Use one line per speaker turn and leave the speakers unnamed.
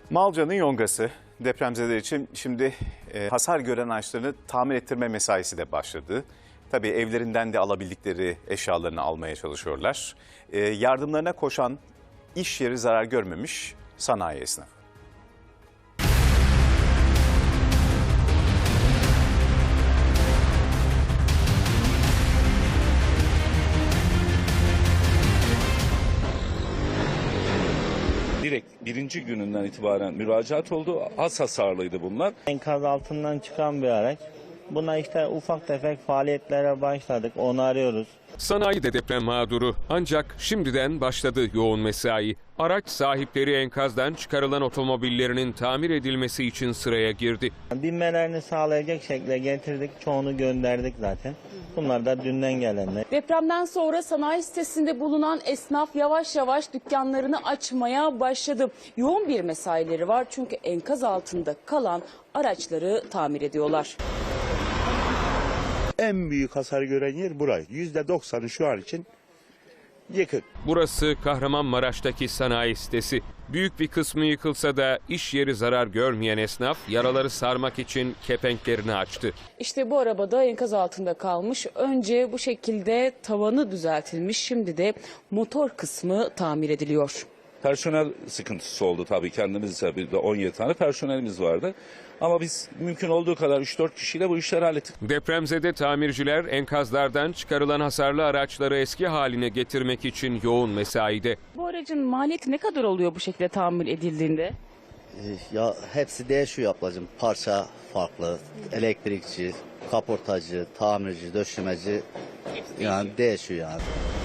Malca'nın yongası depremzedeler için şimdi hasar gören ağaçlarını tamir ettirme mesaisi de başladı. Tabii evlerinden de alabildikleri eşyalarını almaya çalışıyorlar. Yardımlarına koşan iş yeri zarar görmemiş sanayi esnafı.
Direkt birinci gününden itibaren müracaat oldu. Az hasarlıydı bunlar.
Enkaz altından çıkan bir araç. Buna işte ufak tefek faaliyetlere başladık. Onu arıyoruz.
Sanayi de deprem mağduru ancak şimdiden başladı yoğun mesai. Araç sahipleri enkazdan çıkarılan otomobillerinin tamir edilmesi için sıraya girdi.
Binmelerini sağlayacak şekilde getirdik. Çoğunu gönderdik zaten. Bunlar da dünden gelenler.
Depremden sonra sanayi sitesinde bulunan esnaf yavaş yavaş dükkanlarını açmaya başladı. Yoğun bir mesaileri var çünkü enkaz altında kalan araçları tamir ediyorlar.
En büyük hasar gören yer burayı. %90'ı şu an için yıkık.
Burası Kahramanmaraş'taki sanayi sitesi. Büyük bir kısmı yıkılsa da iş yeri zarar görmeyen esnaf yaraları sarmak için kepenklerini açtı.
İşte bu arabada enkaz altında kalmış. Önce bu şekilde tavanı düzeltilmiş. Şimdi de motor kısmı tamir ediliyor.
Personel sıkıntısı oldu tabii, kendimizce bir de 17 tane personelimiz vardı. Ama biz mümkün olduğu kadar 3-4 kişiyle bu işleri hallettik.
Depremzede tamirciler enkazlardan çıkarılan hasarlı araçları eski haline getirmek için yoğun mesaide.
Bu aracın maliyeti ne kadar oluyor bu şekilde tamir edildiğinde?
Ya hepsi değişiyor ablacığım. Parça farklı. Elektrikçi, kaportacı, tamirci, döşemeci yani değişiyor yani.